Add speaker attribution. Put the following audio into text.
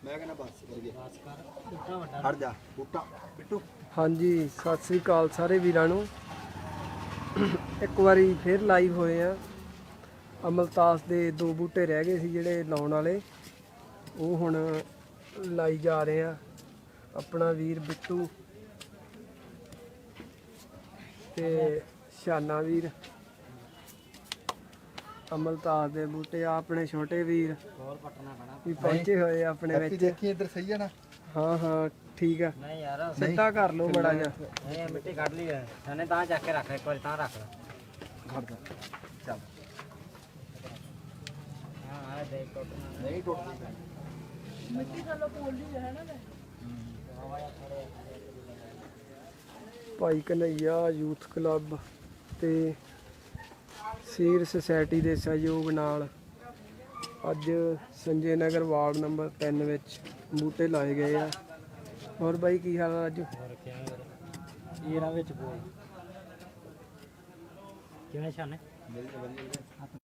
Speaker 1: ਮੈਂ ਕਹਿੰਦਾ ਬਸ ਕਰ ਹਟ ਜਾ ਬੂਟਾ ਬਿੱਟੂ।
Speaker 2: ਹਾਂਜੀ ਸਤਿ ਸ੍ਰੀ ਅਕਾਲ ਸਾਰੇ ਵੀਰਾਂ ਨੂੰ। ਇੱਕ ਵਾਰੀ ਫਿਰ ਲਾਈਵ ਹੋਏ ਆ। ਅਮਲਤਾਸ ਦੇ 2 ਬੂਟੇ ਰਹਿ ਗਏ ਸੀ ਜਿਹੜੇ ਲਾਉਣ ਵਾਲੇ, ਉਹ ਹੁਣ ਲਾਈ ਜਾ ਰਹੇ ਆ। ਆਪਣਾ ਵੀਰ ਬਿੱਟੂ ਤੇ ਸ਼ਾਨਾ ਵੀਰ ਅਮਲਤਾਸ ਦੇ ਬੂਟੇ ਆ। ਆਪਣੇ ਛੋਟੇ ਵੀਰ ਵੀ ਪਹੁੰਚੇ ਹੋਏ ਆ ਆਪਣੇ ਵਿੱਚ।
Speaker 1: ਦੇਖੀ ਇੱਧਰ ਸਹੀ ਆ ਨਾ?
Speaker 2: ਹਾਂ ਹਾਂ ਠੀਕ ਆ।
Speaker 3: ਨਹੀਂ ਯਾਰ
Speaker 2: ਸਿੱਧਾ ਕਰ ਲਓ ਬੜਾ ਜਿਹਾ।
Speaker 3: ਨਹੀਂ ਮਿੱਟੀ ਕੱਢ ਲਈ ਹੈ ਸਾਨੇ ਤਾਂ ਚੱਕ ਕੇ ਰੱਖ ਇੱਕ ਵਾਰੀ ਤਾਂ ਰੱਖ ਲੈ।
Speaker 1: ਹਟ ਜਾ ਚੱਲ।
Speaker 3: ਹਾਂ ਆ ਦੇਖ ਟੁੱਟਣਾ
Speaker 1: ਨਹੀਂ ਟੁੱਟਦੀ।
Speaker 4: ਮਿੱਟੀ ਥੱਲੋਂ ਪੋਲੀ ਹੈ ਨਾ।
Speaker 2: ਭਾਈ ਕਨਈਆ ਯੂਥ ਕਲੱਬ ਤੇ ਸੀਰ ਸੁਸਾਇਟੀ ਦੇ ਸਹਿਯੋਗ ਨਾਲ ਅੱਜ ਸੰਜੇ ਨਗਰ ਵਾਰਡ ਨੰਬਰ 3 ਵਿੱਚ ਬੂਟੇ ਲਾਏ ਗਏ ਆ। ਹੋਰ ਬਾਈ ਕੀ ਹਾਲ ਆ ਅੱਜ?
Speaker 3: ਇਹਨਾਂ ਵਿੱਚ ਬੋਲ ਕਿਵੇਂ ਛਾਨੇ?